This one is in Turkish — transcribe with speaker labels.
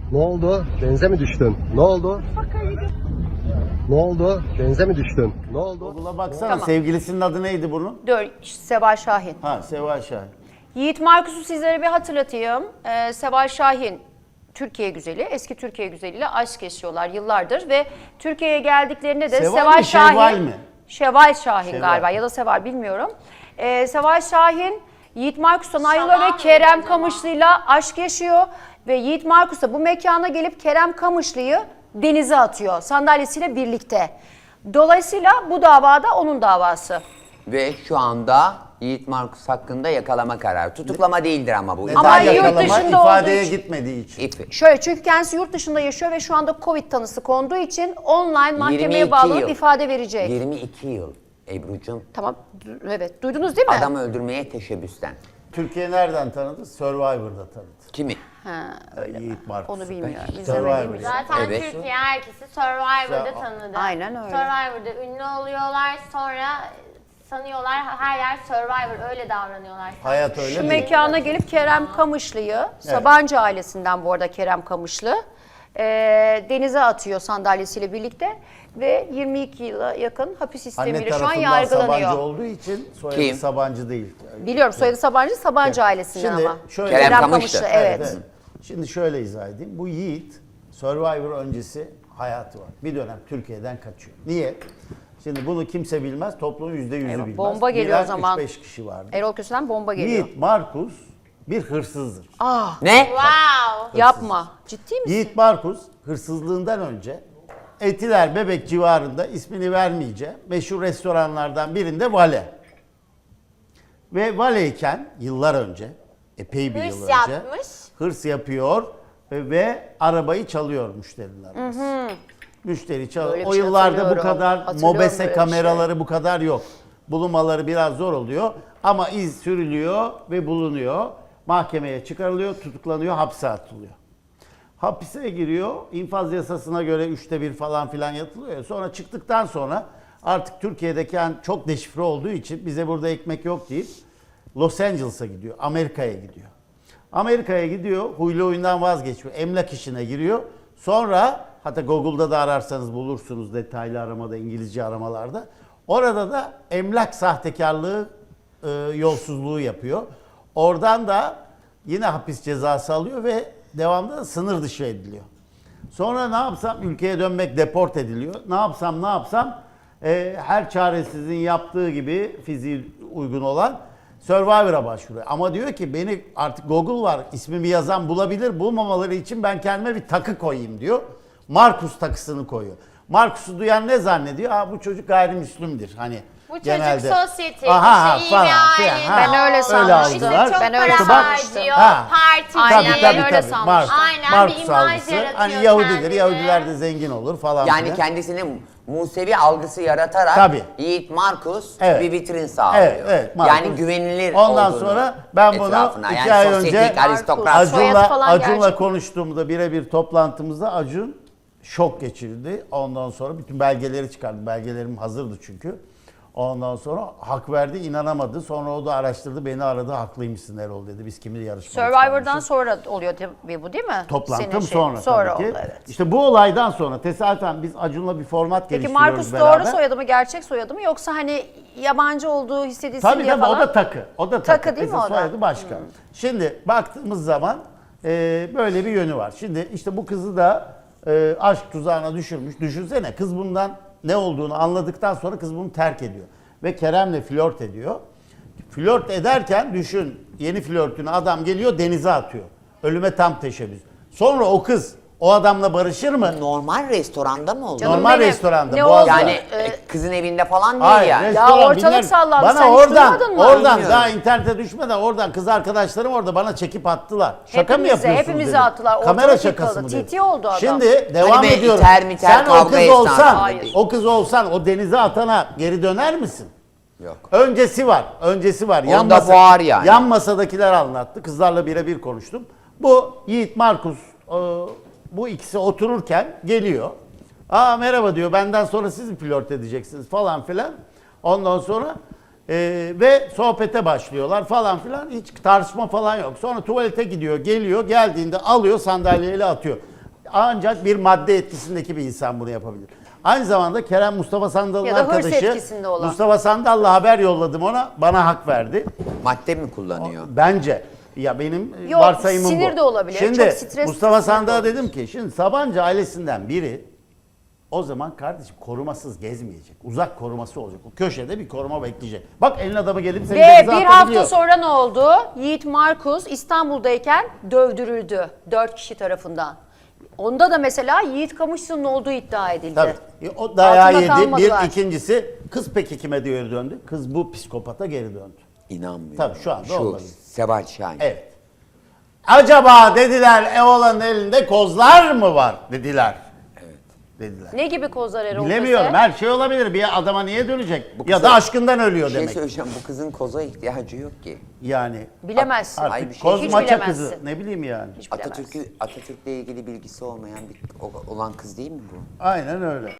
Speaker 1: Ne oldu? Denize mi düştün? Ne oldu? Ne oldu? Denize mi düştün? Ne oldu?
Speaker 2: Google'a baksana.
Speaker 3: Tamam.
Speaker 2: Sevgilisinin adı neydi bunun?
Speaker 3: Seval Şahin.
Speaker 2: Ha, Seval Şahin.
Speaker 3: Yiğit Markus'u sizlere bir hatırlatayım. Seval Şahin Türkiye güzeli, eski Türkiye güzeliyle aşk yaşıyorlar yıllardır ve Türkiye'ye geldiklerinde de
Speaker 2: Seval
Speaker 3: Seval
Speaker 2: mi,
Speaker 3: Şahin,
Speaker 2: Şevval mi?
Speaker 3: Şevval Şahin
Speaker 2: Şevval.
Speaker 3: galiba ya da Seval bilmiyorum. Seval Şahin Yiğit Markus'tan ayrılıyor ve Kerem Kamışlı'yla aşk yaşıyor ve Yiğit Markus da bu mekana gelip Kerem Kamışlı'yı denize atıyor sandalyesiyle birlikte. Dolayısıyla bu davada onun davası.
Speaker 4: Ve şu anda Yiğit Markus hakkında yakalama kararı. Tutuklama değildir ama bu.
Speaker 2: Neden
Speaker 3: Ama yurt
Speaker 2: yakalama?
Speaker 3: dışında olduğu
Speaker 2: İfadeye
Speaker 3: için-
Speaker 2: gitmediği için.
Speaker 4: İpi.
Speaker 3: Şöyle çünkü kendisi yurt dışında yaşıyor ve şu anda Covid tanısı konduğu için online mahkemeye
Speaker 4: 22
Speaker 3: bağlanıp
Speaker 4: yıl.
Speaker 3: ifade verecek.
Speaker 4: 22 yıl Ebru'cum.
Speaker 3: Tamam, evet. Duydunuz değil mi?
Speaker 4: Adam öldürmeye teşebbüsten.
Speaker 2: Türkiye nereden tanıdı? Survivor'da tanıdı.
Speaker 4: Kimi?
Speaker 3: Ha, öyle mi?
Speaker 2: Yiğit Markus.
Speaker 3: Onu bilmiyorum.
Speaker 2: Survivor.
Speaker 3: İzlemediğim için.
Speaker 5: Zaten
Speaker 4: Evet.
Speaker 5: Türkiye herkesi Survivor'da
Speaker 2: Ya,
Speaker 5: tanıdı.
Speaker 3: aynen öyle.
Speaker 5: Survivor'da ünlü oluyorlar, sonra sanıyorlar her yer Survivor, öyle davranıyorlar.
Speaker 2: Hayat öyle
Speaker 3: Şu
Speaker 2: değil.
Speaker 3: mekana gelip Kerem Kamışlı'yı, Sabancı ailesinden bu arada Kerem Kamışlı, denize atıyor sandalyesiyle birlikte ve 22 yıla yakın hapis
Speaker 2: Anne
Speaker 3: sistemiyle şu an
Speaker 2: tarafından
Speaker 3: yargılanıyor.
Speaker 2: Sabancı olduğu için soyadı
Speaker 4: Kim?
Speaker 2: Sabancı değil.
Speaker 3: Biliyorum soyadı Sabancı ailesinden
Speaker 2: Şimdi
Speaker 3: ama.
Speaker 2: şöyle-
Speaker 4: Kerem Kamışlı.
Speaker 3: Evet.
Speaker 2: Şimdi şöyle izah edeyim. Bu Yiğit Survivor öncesi hayatı var. Bir dönem Türkiye'den kaçıyor. Niye? Şimdi bunu kimse bilmez. Toplumun %100'ü
Speaker 3: Eyvah,
Speaker 2: bilmez.
Speaker 3: bomba geliyor o
Speaker 2: Bilen
Speaker 3: zaman.
Speaker 2: 3-5 kişi vardı.
Speaker 3: Erol Köse'den bomba geliyor.
Speaker 2: Yiğit Markus bir hırsızdır.
Speaker 4: Ne?
Speaker 5: Wow!
Speaker 3: Yapma. Ciddi misin?
Speaker 2: Yiğit Markus hırsızlığından önce Etiler Bebek civarında, ismini vermeyeceğim, meşhur restoranlardan birinde vale. Ve valeyken yıllar önce, epey bir
Speaker 5: Hırs
Speaker 2: yıl önce
Speaker 5: yapmış.
Speaker 2: hırs yapıyor ve arabayı çalıyor müşterilerimiz. Müşteri çalıyor.
Speaker 3: Böyle bir
Speaker 2: O
Speaker 3: şey
Speaker 2: yıllarda bu
Speaker 3: hatırlıyorum.
Speaker 2: kadar
Speaker 3: Hatırlıyorum
Speaker 2: mobese
Speaker 3: böyle bir
Speaker 2: kameraları bu kadar yok. Bulunmaları biraz zor oluyor ama iz sürülüyor ve bulunuyor. Mahkemeye çıkarılıyor, tutuklanıyor, hapse atılıyor. Hapise giriyor. İnfaz yasasına göre 1/3 falan filan yatılıyor. Sonra çıktıktan sonra artık Türkiye'deki çok deşifre olduğu için bize burada ekmek yok deyip Los Angeles'a gidiyor. Amerika'ya gidiyor. Amerika'ya gidiyor. Huylu oyundan vazgeçiyor. Emlak işine giriyor. Sonra hatta Google'da da ararsanız bulursunuz detaylı aramada, İngilizce aramalarda. Orada da emlak sahtekarlığı, yolsuzluğu yapıyor. Oradan da yine hapis cezası alıyor ve devamlı da sınır dışı ediliyor. Sonra ne yapsam ülkeye dönmek deport ediliyor. Ne yapsam her çaresizin yaptığı gibi fiziği uygun olan Survivor'a başvuruyor. Ama diyor ki beni artık Google var, ismimi yazan bulabilir, bulmamaları için ben kendime bir takı koyayım diyor. Markus takısını koyuyor. Markus'u duyan ne zannediyor? Bu çocuk gayrimüslimdir. Hani
Speaker 5: Bu çocuk
Speaker 2: genelde.
Speaker 5: sosyetik,
Speaker 2: Aha,
Speaker 5: işte iyi
Speaker 2: falan
Speaker 5: bir
Speaker 2: filan.
Speaker 5: aile.
Speaker 2: Ha,
Speaker 3: Ben öyle sanmıştım.
Speaker 5: İşte
Speaker 2: algılar.
Speaker 5: çok
Speaker 3: Ben öyle
Speaker 5: para
Speaker 3: sanmıştım.
Speaker 5: harcıyor,
Speaker 2: Ha.
Speaker 5: parti.
Speaker 3: Aynen, öyle sanmıştım.
Speaker 5: Aynen,
Speaker 2: Markus
Speaker 5: bir imaj
Speaker 2: algısı.
Speaker 5: yaratıyor
Speaker 2: Hani Yahudidir,
Speaker 5: kendine.
Speaker 2: Yahudiler de zengin olur falan
Speaker 4: Yani
Speaker 2: filan.
Speaker 4: kendisine Musevi algısı yaratarak
Speaker 2: Tabii.
Speaker 4: Yiğit Markus
Speaker 2: Evet.
Speaker 4: bir vitrin sağlıyor.
Speaker 2: Evet, Markus.
Speaker 4: Yani güvenilir
Speaker 2: Ondan
Speaker 4: olduğunu
Speaker 2: sonra ben bunu
Speaker 4: etrafına.
Speaker 2: 2
Speaker 4: Yani
Speaker 2: ay
Speaker 4: sosyetik,
Speaker 2: önce
Speaker 4: aristokrat.
Speaker 3: Soyadı falan
Speaker 2: Acun'la
Speaker 3: gerçek.
Speaker 2: konuştuğumda birebir toplantımızda Acun şok geçirdi. Ondan sonra bütün belgeleri çıkardı. Belgelerim hazırdı çünkü. Ondan sonra hak verdi, inanamadı. Sonra o da araştırdı, beni aradı. Haklıymışsın Erol dedi. Biz kimi yarışmaya
Speaker 3: Survivor'dan
Speaker 2: çıkarmışız.
Speaker 3: sonra oluyor tabii bu değil mi?
Speaker 2: Toplantım
Speaker 3: Senin
Speaker 2: sonra
Speaker 3: Sonra
Speaker 2: tabii ki.
Speaker 3: oldu evet.
Speaker 2: İşte bu olaydan sonra tesadüfen biz Acun'la bir format
Speaker 3: Peki
Speaker 2: geliştiriyoruz
Speaker 3: Markus
Speaker 2: beraber.
Speaker 3: doğru soyadı mı, gerçek soyadı mı yoksa hani yabancı olduğu hissedilsin
Speaker 2: Tabii
Speaker 3: diye
Speaker 2: tabii
Speaker 3: falan?
Speaker 2: o da takı. O da takı.
Speaker 3: Takı değil mi
Speaker 2: Esas
Speaker 3: o da?
Speaker 2: soyadı başka. Şimdi baktığımız zaman böyle bir yönü var. Şimdi işte bu kızı da aşk tuzağına düşürmüş. Düşünsene kız bundan ne olduğunu anladıktan sonra kız bunu terk ediyor. Ve Kerem'le flört ediyor. Flört ederken düşün yeni flörtünü adam geliyor denize atıyor. Ölüme tam teşebbüs. Sonra o kız o adamla barışır mı?
Speaker 4: Normal restoranda mı oldu?
Speaker 3: Canım
Speaker 2: Normal
Speaker 3: benim,
Speaker 2: restoranda.
Speaker 3: ne
Speaker 2: Boğaz'da.
Speaker 3: oldu?
Speaker 4: Yani kızın evinde falan değil
Speaker 2: Hayır,
Speaker 4: yani.
Speaker 2: restoran,
Speaker 3: Ya ortalık
Speaker 2: bilmem.
Speaker 3: sallandı.
Speaker 2: Bana
Speaker 3: Sen hiç
Speaker 2: oradan,
Speaker 3: duymadın mı?
Speaker 2: oradan
Speaker 4: Bilmiyorum.
Speaker 2: daha internete düşmeden oradan kız arkadaşlarım orada bana çekip attılar. Şaka mı
Speaker 3: Hepimize,
Speaker 2: yapıyorsunuz
Speaker 3: hepimize
Speaker 2: dedim.
Speaker 3: attılar.
Speaker 2: Kamera
Speaker 3: Ortalık
Speaker 2: şakası
Speaker 3: yıkıldı.
Speaker 2: mı dedim.
Speaker 3: TT oldu adam.
Speaker 2: Şimdi devam
Speaker 4: Hani be,
Speaker 2: ediyorum.
Speaker 4: iter miter,
Speaker 2: Sen o
Speaker 4: kavga
Speaker 2: kız
Speaker 4: esnasında
Speaker 2: olsan,
Speaker 3: Hayır.
Speaker 2: o kız olsan o denize atana geri döner misin?
Speaker 4: Yok.
Speaker 2: Öncesi var. Öncesi var.
Speaker 4: Onda var yani.
Speaker 2: Yan masadakiler anlattı. Kızlarla birebir konuştum. Bu Yiğit Markus bu ikisi otururken geliyor. Merhaba diyor. Benden sonra siz mi flört edeceksiniz falan filan. Ondan sonra ve sohbete başlıyorlar falan filan. Hiç tartışma falan yok. Sonra tuvalete gidiyor, geliyor. Geldiğinde alıyor sandalyeyle atıyor. Ancak bir madde etkisindeki bir insan bunu yapabilir. Aynı zamanda Kerem Mustafa Sandal'ın
Speaker 3: Ya da hırs
Speaker 2: arkadaşı.
Speaker 3: etkisinde olan.
Speaker 2: Mustafa Sandal'la haber yolladım ona. Bana hak verdi.
Speaker 4: Madde mi kullanıyor?
Speaker 2: Bence. Ya benim
Speaker 3: Yok,
Speaker 2: varsayımım bu.
Speaker 3: sinir de olabilir.
Speaker 2: Şimdi
Speaker 3: Çok stresli,
Speaker 2: Mustafa
Speaker 3: sinir de
Speaker 2: Sandal'a
Speaker 3: olabilir.
Speaker 2: dedim ki şimdi Sabancı ailesinden biri o zaman kardeşim korumasız gezmeyecek. Uzak koruması olacak. O köşede bir koruma bekleyecek. Bak elin adamı gelip seni
Speaker 3: Ve
Speaker 2: denize
Speaker 3: bir
Speaker 2: atabiliyor.
Speaker 3: hafta sonra ne oldu? Yiğit Markus İstanbul'dayken dövdürüldü 4 kişi tarafından. Onda da mesela Yiğit Kamışlı'nın olduğu iddia edildi.
Speaker 2: Tabii. O dayağı
Speaker 3: Altında
Speaker 2: yedi.
Speaker 3: kalmadılar.
Speaker 2: Bir, ikincisi kız peki kime geri döndü? Kız bu psikopata geri döndü.
Speaker 4: İnanmıyorum.
Speaker 2: Tabii şu anda
Speaker 4: Şu
Speaker 2: olabilir.
Speaker 4: Seval Şahin.
Speaker 2: Evet. Acaba dediler Evola'nın elinde kozlar mı var dediler. Evet. Dediler.
Speaker 3: Ne gibi kozlar Erol
Speaker 2: Bilemiyorum.
Speaker 3: Köse?
Speaker 2: Her şey olabilir. Bir adama niye dönecek?
Speaker 4: Bu
Speaker 2: Ya
Speaker 4: kıza-
Speaker 2: da aşkından ölüyor
Speaker 4: Bir şey
Speaker 2: demek.
Speaker 4: söyleyeceğim. Bu kızın koza ihtiyacı yok ki.
Speaker 2: Yani
Speaker 3: Bilemezsin.
Speaker 2: artık
Speaker 4: Ay, bir şey-
Speaker 2: koz
Speaker 3: Hiç
Speaker 2: maça
Speaker 3: bilemezsin.
Speaker 2: kızı. Ne bileyim yani.
Speaker 3: Hiç bilemezsin.
Speaker 4: Atatürk'le ilgili bilgisi olmayan olan kız değil mi bu?
Speaker 2: Aynen öyle.